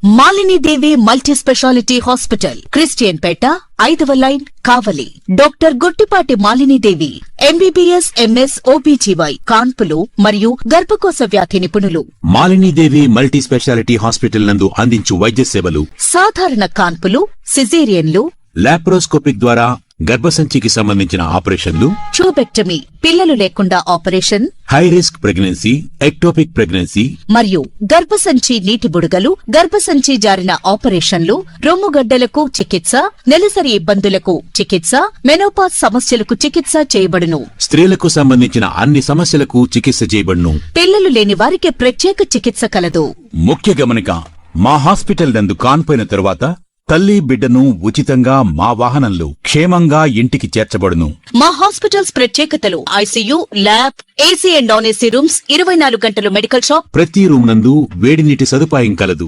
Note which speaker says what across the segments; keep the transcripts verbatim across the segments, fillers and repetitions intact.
Speaker 1: Malini Devi multi speciality hospital, Christian Peta, ఐదవ line, Kavali. Doctor Guttipati Malini Devi MBBS, MS, OBGY, కాన్పులు మరియు గర్భకోశ వ్యాధి నిపుణులు.
Speaker 2: Malini Devi multi speciality hospital నందు అందించు వైద్య సేవలు:
Speaker 1: సాధారణ కాన్పులు, సిజేరియన్లు,
Speaker 2: లాప్రోస్కోపిక్ ద్వారా గర్భసంచికి సంబంధించిన ఆపరేషన్లు,
Speaker 1: ట్యూబెక్టమీ, పిల్లలు లేకుండా operation,
Speaker 2: high risk pregnancy, ectopic pregnancy
Speaker 1: మరియు గర్భసంచి నీటి బుడగలు, గర్భసంచి జారిన ఆపరేషన్లు, రొమ్ముగడ్డలకు చికిత్స, నెలసరి ఇబ్బందులకు చికిత్స, మెనోపాజ్ సమస్యలకు చికిత్స చేయబడును.
Speaker 2: స్త్రీలకు సంబంధించిన అన్ని సమస్యలకు చికిత్స చేయబడును.
Speaker 1: పిల్లలు లేని వారికి ప్రత్యేక చికిత్స కలదు.
Speaker 2: ముఖ్య గమనిక: మా హాస్పిటల్ నందు కాన్పోయిన తరువాత తల్లి బిడ్డను ఉచితంగా మా వాహనంలో క్షేమంగా ఇంటికి చేర్చబడును.
Speaker 1: మా హాస్పిటల్స్ ప్రత్యేకతలు: ICU, lab, AC and non AC rooms, ఇరవై నాలుగు గంటలు మెడికల్ షాప్,
Speaker 2: ప్రతి రూమ్ నందు వేడి నీటి సదుపాయం కలదు.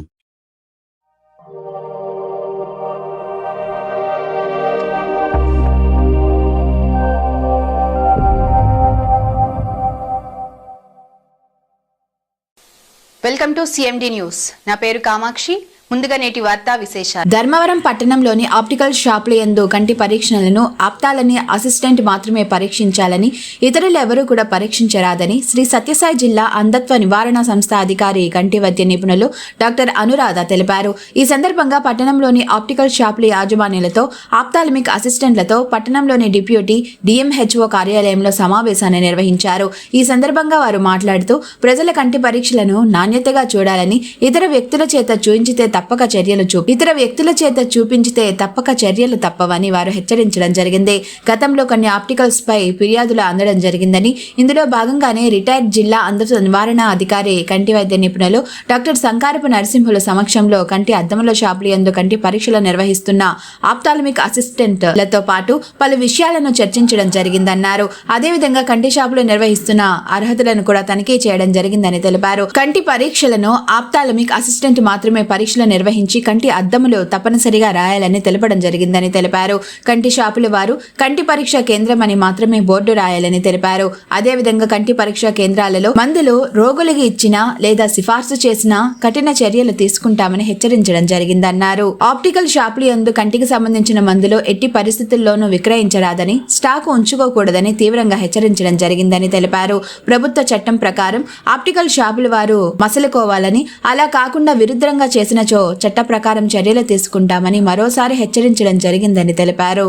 Speaker 3: Welcome to CMD news. నా పేరు కామాక్షి. ముందుగా నేటి వార్తా విశేషాలు.
Speaker 4: ధర్మవరం పట్టణంలోని ఆప్టికల్ షాపుల యందు కంటి పరీక్షలను ఆప్తాలని అసిస్టెంట్ మాత్రమే పరీక్షించాలని, ఇతరులు ఎవరూ కూడా పరీక్షించరాదని శ్రీ సత్యసాయి జిల్లా అంధత్వ నివారణ సంస్థ అధికారి కంటి వైద్య నిపుణులు డాక్టర్ అనురాధ తెలిపారు. ఈ సందర్భంగా పట్టణంలోని ఆప్టికల్ షాపుల యాజమాన్యులతో, ఆప్తాలమిక్ అసిస్టెంట్లతో పట్టణంలోని డిప్యూటీ డిఎంహెచ్ఓ కార్యాలయంలో సమావేశాన్ని నిర్వహించారు. ఈ సందర్భంగా వారు మాట్లాడుతూ ప్రజల కంటి పరీక్షలను నాణ్యతగా చూడాలని, ఇతర వ్యక్తుల చేత చూయించితే తప్పక చర్యలు చూపి ఇతర వ్యక్తుల చేత చూపించితే తప్పక చర్యలు తప్పవని వారు హెచ్చరించడం జరిగింది. గతంలో కొన్ని ఆప్టికల్స్ పై ఫిర్యాదులు అందడం జరిగిందని, ఇందులో భాగంగానే రిటైర్డ్ జిల్లా అంధత్వ నివారణ అధికారి కంటి వైద్య నిపుణులు డాక్టర్ సంకారపు నరసింహుల సమక్షంలో కంటి అద్దముల షాపుల యందు కంటి పరీక్షలు నిర్వహిస్తున్న ఆప్తాలమిక్ అసిస్టెంట్లతో పాటు పలు విషయాలను చర్చించడం జరిగిందన్నారు. అదేవిధంగా కంటి షాపులు నిర్వహిస్తున్న అర్హతలను కూడా తనిఖీ చేయడం జరిగిందని తెలిపారు. కంటి పరీక్షలను ఆప్తాలమిక్ అసిస్టెంట్ మాత్రమే పరీక్షలు నిర్వహించి కంటి అద్దములు తప్పనిసరిగా రాయాలని తెలపడం జరిగిందని తెలిపారు. కంటి షాపుల వారు కంటి పరీక్ష కేంద్రం అని మాత్రమే బోర్డు రాయాలని తెలిపారు. అదేవిధంగా కంటి పరీక్ష కేంద్రాలలో మందులు రోగులకి ఇచ్చినా లేదా సిఫార్సు చేసినా కఠిన చర్యలు తీసుకుంటామని హెచ్చరించడం జరిగిందన్నారు. ఆప్టికల్ షాపుల యందు కంటికి సంబంధించిన మందులు ఎట్టి పరిస్థితుల్లోనూ విక్రయించరాదని, స్టాకు ఉంచుకోకూడదని తీవ్రంగా హెచ్చరించడం జరిగిందని తెలిపారు. ప్రభుత్వ చట్టం ప్రకారం ఆప్టికల్ షాపుల వారు మసలుకోవాలని, అలా కాకుండా విరుద్ధంగా చేసినచో చట్ట ప్రకారం చర్యలు తీసుకుంటామని మరోసారి హెచ్చరించడం జరిగిందని తెలిపారు.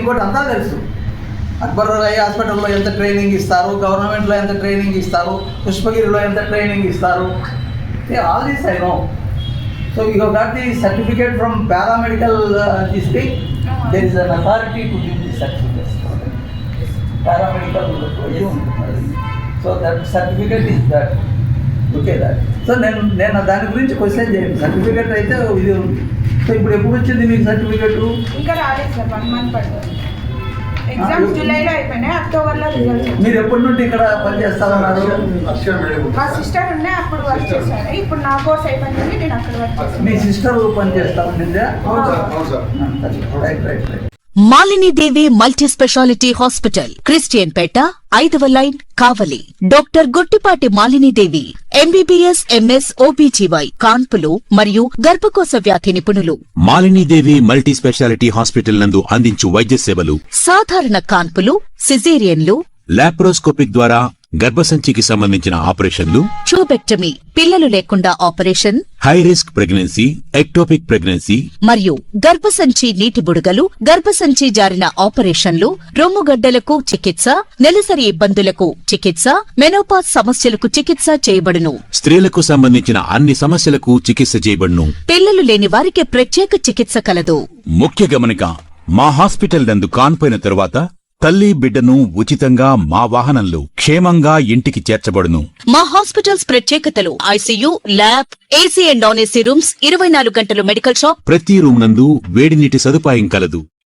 Speaker 5: అక్బర్ ఐ హాస్పిటల్లో ఎంత ట్రైనింగ్ ఇస్తారు, గవర్నమెంట్లో ఎంత ట్రైనింగ్ ఇస్తారు, పుష్పగిరిలో ఎంత ట్రైనింగ్ ఇస్తారు, all this I know. So you have got the certificate from paramedical this thing. There is an authority to give the certificates. Paramedical so that certificate is that. Okay that. So నేను నేను దాని గురించి question చేయండి. Certificate అయితే ఇది ఉంది. So ఇప్పుడు ఎప్పుడు వచ్చింది మీకు సర్టిఫికేట్?
Speaker 6: ఇంకా రాలేదు సార్, వన్ మంత్ పడుతుంది. ఎగ్జామ్స్ జూలైలో అయిపోయినాయి, అక్టోబర్లో రిజల్ట్స్.
Speaker 5: మీరు ఎప్పటి నుండి ఇక్కడ పనిచేస్తామన్నారు?
Speaker 6: మా సిస్టర్ ఉండే అప్పుడు వర్క్ చేశాను. ఇప్పుడు నా కోర్స్ అయిపోయింది, నేను అక్కడ వర్క్ చేస్తాను.
Speaker 5: మీ సిస్టర్ పనిచేస్తా ఉండిందా? Right right right.
Speaker 1: Malini Devi multi speciality hospital, Christian Peta, ఐదవ line, Kavali. Doctor Guttipati Malini Devi MBBS, MS, OBGY, కాన్పులు మరియు గర్భకోశ వ్యాధి నిపుణులు.
Speaker 2: Malini Devi multi speciality hospital నందు అందించు వైద్య సేవలు:
Speaker 1: సాధారణ కాన్పులు, సిజేరియన్లు,
Speaker 2: లాప్రోస్కోపిక్ ద్వారా గర్భసంచికి సంబంధించిన ఆపరేషన్లు,
Speaker 1: ట్యూబెక్టమీ, పిల్లలు లేకుండా operation,
Speaker 2: high risk pregnancy, ectopic pregnancy
Speaker 1: మరియు గర్భసంచి నీటి బుడగలు, గర్భసంచి జారిన ఆపరేషన్లు, రొమ్ముగడ్డలకు చికిత్స, నెలసరి ఇబ్బందులకు చికిత్స, మెనోపాజ్ సమస్యలకు చికిత్స చేయబడును.
Speaker 2: స్త్రీలకు సంబంధించిన అన్ని సమస్యలకు చికిత్స చేయబడును.
Speaker 1: పిల్లలు లేని వారికి ప్రత్యేక చికిత్స కలదు.
Speaker 2: ముఖ్య గమనిక: మా హాస్పిటల్ నందు కాన్పోయిన తరువాత తల్లి బిడ్డను ఉచితంగా మా వాహనంలో క్షేమంగా ఇంటికి చేర్చబడును.
Speaker 1: మా హాస్పిటల్స్ ప్రత్యేకతలు: ICU, lab, AC and non AC rooms, ఇరవై నాలుగు గంటలు మెడికల్ షాప్,
Speaker 2: ప్రతి రూమ్ నందు వేడి నీటి సదుపాయం కలదు.